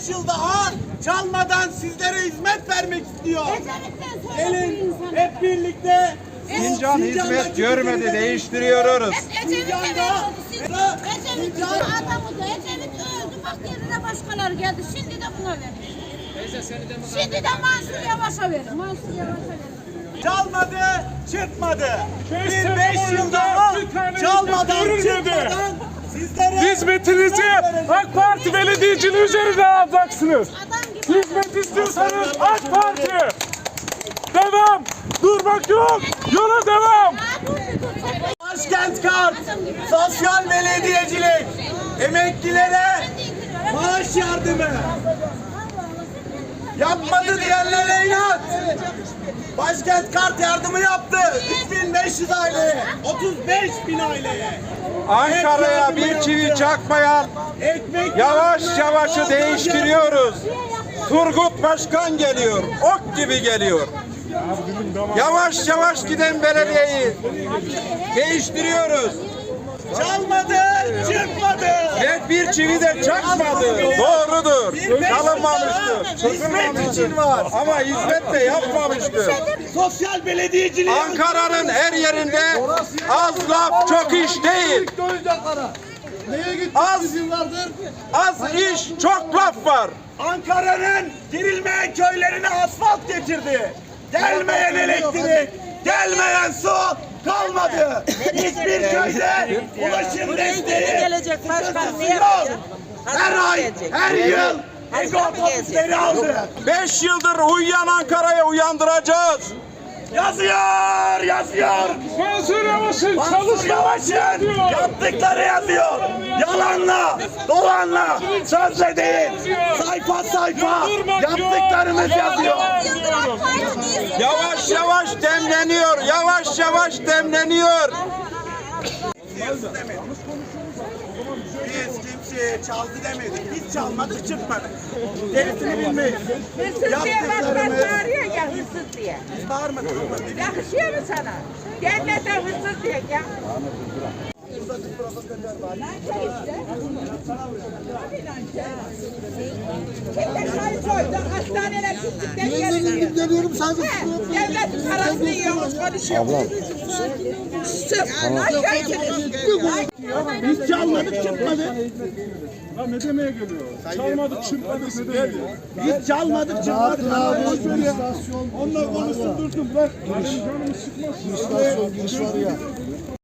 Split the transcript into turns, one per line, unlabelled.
25 yıl daha çalmadan sizlere hizmet vermek istiyor. Gelin hep birlikte
Sincan hizmet görmedi, değiştiriyoruz.
Ecevit adamı da Ecevit öldü. Bak yerine başkaları geldi. Şimdi de buna verin. Şimdi de Mansur Yavaş'a verin. Mansur Yavaş'a verin.
çalmadı, çırpmadı. Bir 5 yıl daha çalmadan, çırpmadan sizlere
Hizmetinizi AK Parti belediyeciliği üzerine alacaksınız. Hizmet istiyorsanız AK Parti. Devam. Durmak yok. Yola devam.
Başkent Kart, sosyal belediyecilik, emeklilere maaş yardımı. Yapmadı diyenlere inat. Başkent Kart yardımı yaptı. 3500 aileye, 35.000 aileye.
Ankara'ya bir çivi çakmayan yavaş yavaşı değiştiriyoruz. Turgut Başkan geliyor, ok gibi geliyor. Yavaş yavaş giden belediyeyi değiştiriyoruz.
Çalmadı, çırpmadı.
Ve bir çivi de çakmadı. Doğrudur. Çalınmamıştır.
Hizmet için var.
Ama hizmet de yapmamıştır.
Sosyal belediyeciliği.
Ankara'nın her yerinde az laf çok iş değil. Az iş çok laf var.
Ankara'nın girilmeyen köylerine asfalt getirdi. Gelmeyen elektrik, gelmeyen su kalmadı. Hiçbir köyde ulaşım desteği
gelecek başkan
yok. Her ay, her yıl ego otobüsleri aldı.
5 yıldır uyuyan Ankara'ya uyandıracağız.
Yazıyor, yazıyor.
Mansur Yavaş'ın
Mansur
çalışmaları
Yavaş'ın yaptıkları yazıyor. Yalanla, dolanla, sözle değil. Sayfa sayfa yaptıklarımız yazıyor.
Yavaş yavaş demleniyor. Yavaş yavaş demleniyor.
Biz kimseye çaldı demedik. Biz çalmadık, çırpmadık. Gerisini bilmeyiz.
Hırsız diye başkan bağırıyor ya, hırsız diye.
Biz bağırmadık.
Yakışıyor mu sana? Devlete hırsız diye ya. Kimde çay koydu, hastaneler gittikten geliyor.
Geliyorum sadece.
Devletin parasını yiyormuş, konuşuyor.
Biz çalmadık, çırpmadık.
Ya ne demeye geliyor? Çalmadık, çırpmadık ne demeye geliyor?
Biz çalmadık, çırpmadık.
Onunla konuştum durdum bırak. Benim canımı sıkmasın.
İstasyon giriş var ya.